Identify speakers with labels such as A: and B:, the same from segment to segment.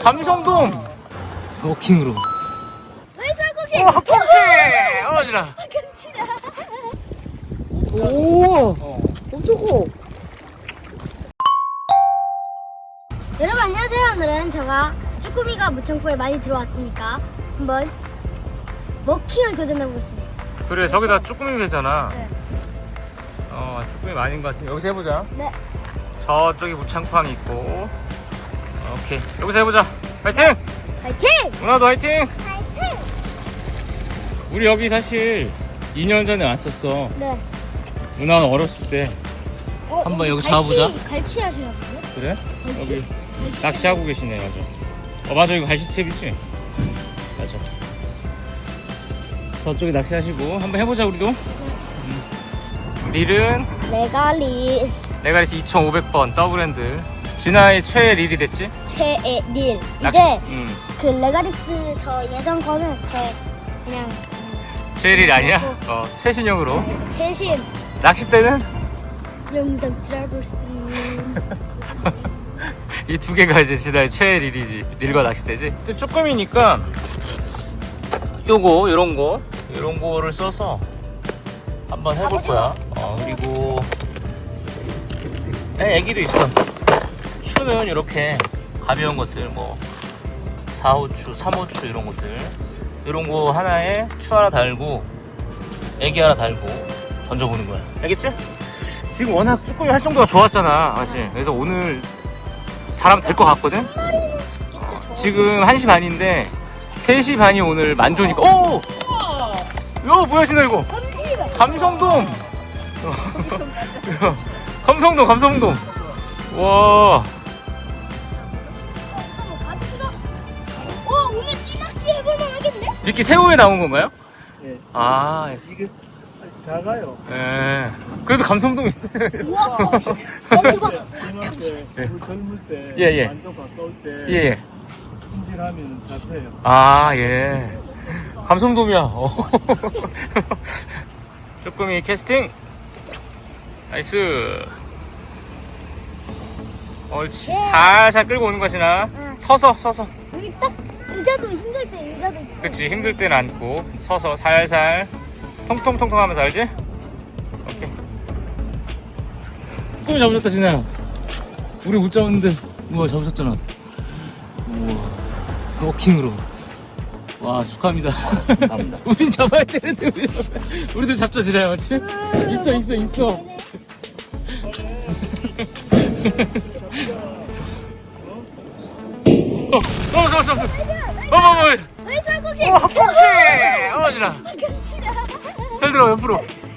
A: 감성돔 워킹으로.
B: 쌀국수.
A: 오, 꽁치! 어지라.
B: 오, 엄청 커. 여러분 안녕하세요. 오늘은 제가 쭈꾸미가 무창포에 많이 들어왔으니까 한번 먹킹을 도전해보겠습니다.
A: 그래, 저기다 쭈꾸미 배잖아.
B: 네.
A: 쭈꾸미 많은 것 같아. 여기서 해보자.
B: 네.
A: 저쪽에 무창팡이 있고. 오케이, 여기서 해보자. 화이팅!
B: 파이팅!
A: 누나도 화이팅!
B: 파이팅!
A: 우리 여기 사실 2년 전에 왔었어.
B: 네.
A: 누나는 어렸을 때. 한번 여기 잡아보자.
B: 갈치 하시나 보네.
A: 그래?
B: 갈치?
A: 여기 낚시하고 계시네. 맞아. 맞아, 이거 갈치채비지? 맞아. 저쪽에 낚시하시고 한번 해보자. 우리도. 릴은
B: 레가리스
A: 레가리스 2500번 더블핸드. 진아의 최애 릴이 됐지?
B: 최애 릴.
A: 낚시.
B: 이제
A: 응.
B: 그 레가리스 저 예전 거는 저 그냥
A: 최애 릴이 아니야? 최신형으로.
B: 최신
A: 낚싯대는
B: 영상 트래블스.
A: 이 두 개가 이제 진아의 최애 릴이지. 릴과 낚싯대지. 근데 쭈꾸미니까 요거 요런 거를 써서 한번 해볼 거야. 그리고 애기도 있어. 추는 이렇게 가벼운 것들, 뭐 4호추, 3호추 이런 것들, 이런 거 하나에 추 하나 달고 애기 하나 달고 던져보는 거야. 알겠지? 지금 워낙 쭈꾸미 활성도가 좋았잖아, 사실. 그래서 오늘 잘하면 될 것 같거든. 지금 1시 반인데 3시 반이 오늘 만조니까. 오! 야, 뭐야, 진아 이거? 감성돔! 감성돔. 와.
B: 오늘 찌낚시 해볼만 하겠네?
A: 이렇게 새우에 나온 건가요?
C: 예.
A: 아,
C: 이게 아직 작아요.
A: 예. 그래도 감성돔이.
B: 우와. 대박.
C: 중학교 때, 우리 젊을 때,
A: 예, 예.
C: 완전 가까울 때,
A: 예.
C: 손질하면 잡혀요.
A: 아, 예. 감성돔이야. 쭈꾸미 캐스팅. 나이스. 옳지.
B: 예.
A: 살살 끌고 오는 것이나.
B: 응.
A: 서서.
B: 여기 딱 의자도 힘들 때 의자도 있고.
A: 그치, 힘들 때는 앉고 서서 살살 통통통통 하면서. 알지? 오케이. 쭈꾸미 잡으셨다, 진아야. 우리 못 잡았는데 우와, 잡으셨잖아. 우와, 워킹으로. 와, 축하합니다.
C: 감사합니다.
A: 우린 잡아야 되는데 우리도 잡자, 진아야. 맞지? 있어. 잡았어.
B: 왜 쌀국수?
A: 오, 꽁치! 진아. 잘 들어, 옆으로.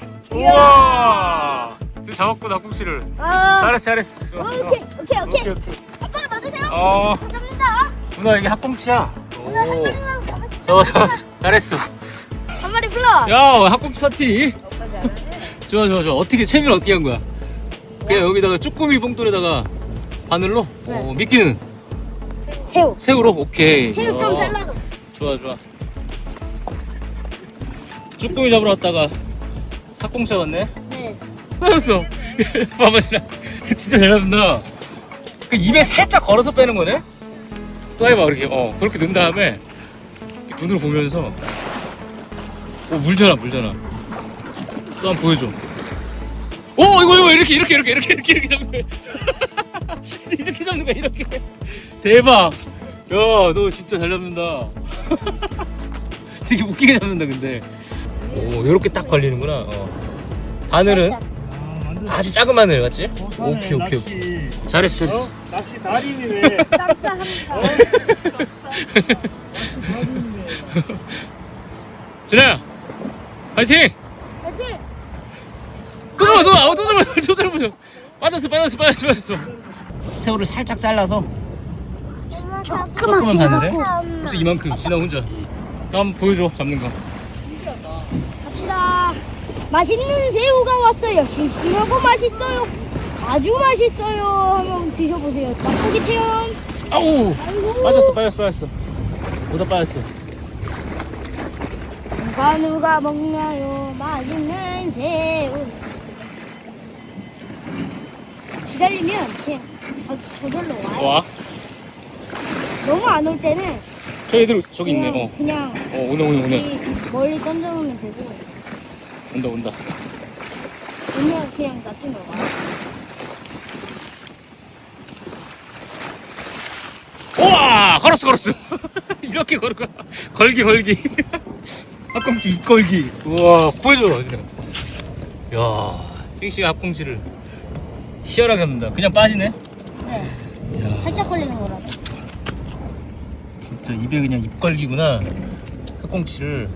A: 우와! 드디어 잡았구나, 꽁치를. 잘했어.
B: 오케이. 아빠가 넣어주세요. 감사합니다.
A: 누나, 이게 학꽁치야. 오.
B: 잡았어.
A: 잘했어.
B: 한 마리 불러.
A: 야, 학꽁치 파티. 좋아. 채비를 어떻게 한 거야? 그냥 여기다가 쭈꾸미 봉돌에다가 바늘로? 미끼는? 새우로? 오케이.
B: 새우 좀 잘라서.
A: 좋아. 쭈꾸미 잡으러 왔다가 학꽁치 잡았네?
B: 네.
A: 잡았어. 봐봐, 진짜 잘 잡는다. 그 입에 살짝 걸어서 빼는 거네? 또 해봐, 이렇게. 그렇게 넣은 다음에 눈으로 보면서. 물잖아. 또 한번 보여줘. 이거 이렇게 잡는 거야. 이렇게 잡는 거야, 이렇게. 대박. 야, 너 진짜 잘 잡는다. 되게 웃기게 잡는다, 근데. 요렇게 딱 걸리는구나. 바늘은 아주 작은 마늘, 맞지? 오케이.
C: 낚시,
A: 잘했어.
C: 낚시 달인이네.
B: 감사합니다.
A: 진아야, 파이팅!
B: 파이팅.
A: 또 잡아. 빠졌어. 새우를 살짝 잘라서 조그만 바늘에? 벌써 이만큼. 진아 혼자. 한번 보여줘, 잡는 거.
B: 갑시다. 맛있는 새우가 왔어요. 싱싱하고 맛있어요. 아주 맛있어요. 한번 드셔보세요. 맛보기 체험.
A: 아우! 빠졌어. 보다 빠졌어.
B: 누가 먹나요? 맛있는 새우. 기다리면 그냥 저절로 와요.
A: 와.
B: 너무 안 올 때는
A: 저 애들 저기 있네.
B: 그냥
A: 오네.
B: 이 멀리 던져놓으면 되고
A: 온다.
B: 오면 그냥 놔두면 와.
A: 우와! 걸었어. 이렇게 걸을까? 걸기. 합꽁치 입걸기. 우와, 보여줘. 야, 싱싱한 합꽁치를 희열하게 합니다. 그냥 빠지네?
B: 네.
A: 야,
B: 살짝 걸리는 거라서.
A: 진짜 입에 그냥 입걸기구나. 합꽁치를.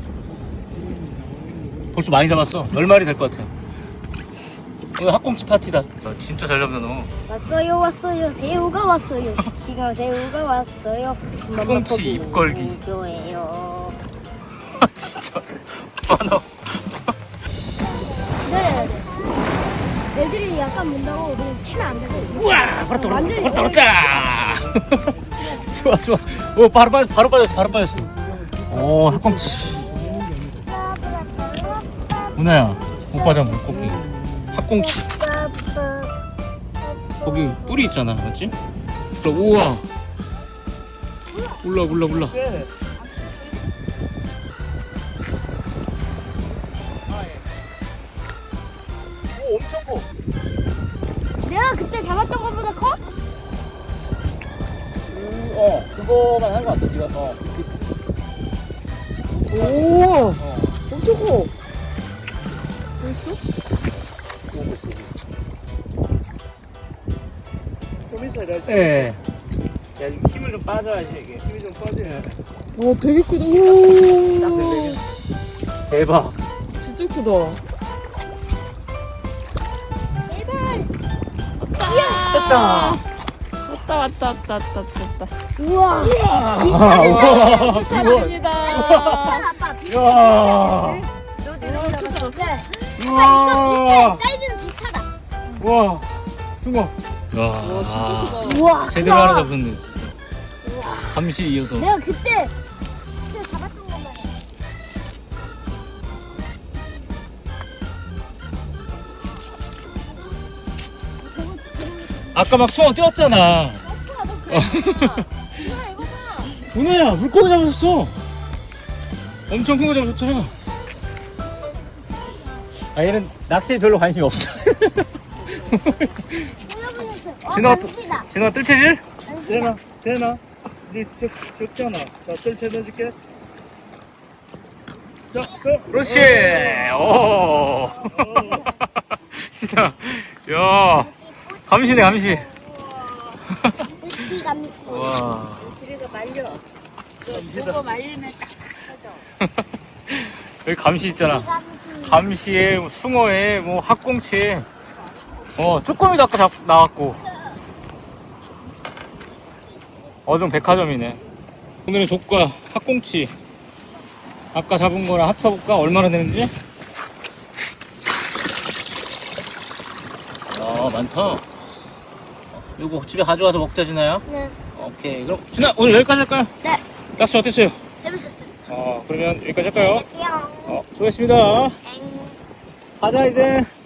A: 벌써 많이 잡았어. 10마리 될 것 같아. 오늘 합꽁치 파티다. 야, 진짜 잘 잡는다, 너.
B: 왔어요. 새우가 왔어요. 싱싱한 새우가 왔어요.
A: 합꽁치 입걸기.
B: 좋아요.
A: 진짜. 너.
B: 네. 애들이 약간 문다고 그냥 채면 안 되고.
A: 우와! 걸었다.
B: 완전히
A: 좋아. 오, 바로 빠졌어. 오, 합꽁치. 누나야, 오빠 잡은 물고기. 합꽁치. 거기 뿔이 있잖아, 맞지? 우와. 올라. 오, 엄청 커.
B: 내가 그때 잡았던 것보다 커?
A: 그거만 한 거 같아, 니가.
D: 오, 엄청 커. 벌써?
A: 오고 있어.
C: 좀 있어야 돼.
A: 예. 야, 지금 힘을 좀 빠져야지, 이게.
C: 힘이 좀 빠져야 돼.
D: 와, 되게 크다. 오,
A: 대박.
D: 진짜 크다.
A: 됐다.
D: 왔다.
B: 우와.
D: 축하드립니다.
B: 아빠 비슷해.
A: 야.
B: 네.
A: 우와.
B: 사이즈는 비슷하다.
A: 우와. 숭어. 야.
D: 와, 진짜 크다.
B: 우와.
A: 제대로 하나 잡혔네. 감시 이어서.
B: 내가 그때 잡았던 것만 해.
A: 아까 막 숭어 뛰었잖아. 은혜야, 물고기 잡았어. 엄청 큰 거 잡았잖아. 아, 얘는 낚시에 별로 관심이 없어. 진호가 뜰채질?
C: 되나? 니 적잖아. 자, 뜰채 넣어줄게. 자,
A: 그렇지. 오. 진짜. 야. 감시네, 감시.
B: 이 감시.
A: 와.
D: 집에서 말려. 그거 말리면 딱 터져.
A: 여기 감시 있잖아.
B: 감시.
A: 감시에, 뭐 숭어에, 뭐 합꽁치에. 쭈꾸미도 아까 나왔고. 어종 백화점이네. 오늘은 족과 합꽁치. 아까 잡은 거랑 합쳐볼까? 얼마나 되는지? 많다. 이거 집에 가져와서 먹자, 진아야?
B: 네.
A: 오케이. 그럼, 진아, 오늘 여기까지 할까요?
B: 네.
A: 낚시 어땠어요?
B: 재밌었어요.
A: 그러면 여기까지 할까요?
B: 안녕하세요.
A: 수고했습니다.
B: 땡.
A: 가자, 이제.